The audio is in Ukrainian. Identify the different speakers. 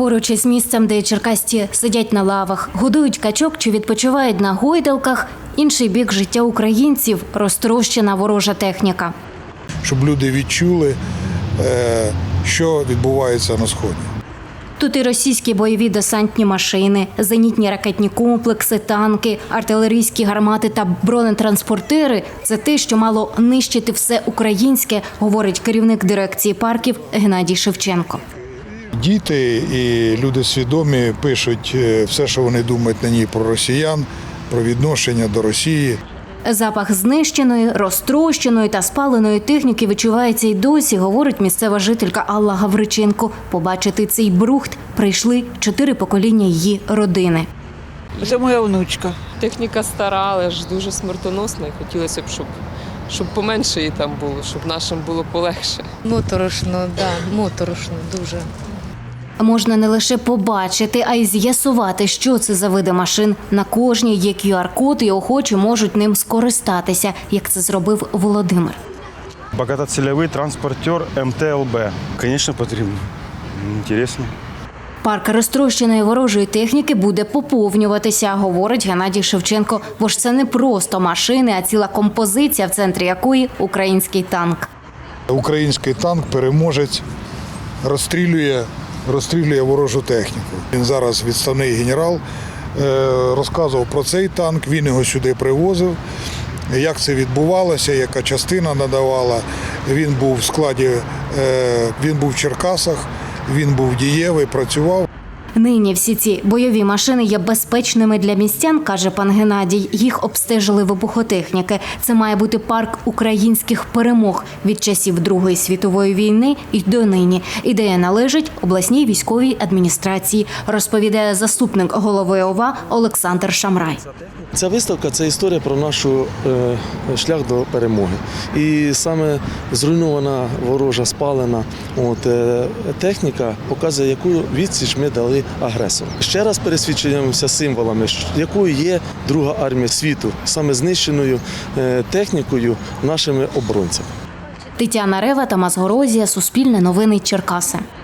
Speaker 1: Поруч із місцем, де черкасці сидять на лавах, годують качок чи відпочивають на гойдалках, інший бік життя українців – розтрощена ворожа техніка.
Speaker 2: Щоб люди відчули, що відбувається на Сході.
Speaker 1: Тут і російські бойові десантні машини, зенітні ракетні комплекси, танки, артилерійські гармати та бронетранспортери – це те, що мало нищити все українське, говорить керівник дирекції парків Геннадій Шевченко.
Speaker 2: Діти і люди свідомі пишуть все, що вони думають на ній про росіян, про відношення до Росії.
Speaker 1: Запах знищеної, розтрощеної та спаленої техніки відчувається й досі, говорить місцева жителька Алла Гавриченко. Побачити цей брухт прийшли 4 покоління її родини.
Speaker 3: Це моя внучка.
Speaker 4: Техніка стара, але ж дуже смертоносна. І хотілося б, щоб поменше її там було, щоб нашим було полегше.
Speaker 5: Моторошно, моторошно дуже.
Speaker 1: Можна не лише побачити, а й з'ясувати, що це за види машин. На кожній є QR-код і охочі можуть ним скористатися, як це зробив Володимир.
Speaker 6: Багатоцільовий транспортер МТЛБ. Звісно, потрібно. Інтересно.
Speaker 1: Парк розтрощеної ворожої техніки буде поповнюватися, говорить Геннадій Шевченко. Бо ж це не просто машини, а ціла композиція, в центрі якої – український танк.
Speaker 2: Український танк-переможець розстрілює ворожу техніку. Він зараз відставний генерал, розказував про цей танк, він його сюди привозив, як це відбувалося, яка частина надавала. Він був в складі, він був в Черкасах, він був дієвий, працював.
Speaker 1: Нині всі ці бойові машини є безпечними для містян, каже пан Геннадій. Їх обстежили вибухотехніки. Це має бути парк українських перемог від часів Другої світової війни і донині. Ідея належить обласній військовій адміністрації, розповідає заступник голови ОВА Олександр Шамрай.
Speaker 7: Ця виставка – це історія про наш шлях до перемоги. І саме зруйнована, ворожа, спалена техніка показує, яку відсіч ми дали агресору. Ще раз пересвідчуємося символами, якою є Друга армія світу, саме знищеною технікою нашими оборонцями.
Speaker 1: Тетяна Рева, Тамас Горозія, Суспільне новини, Черкаси.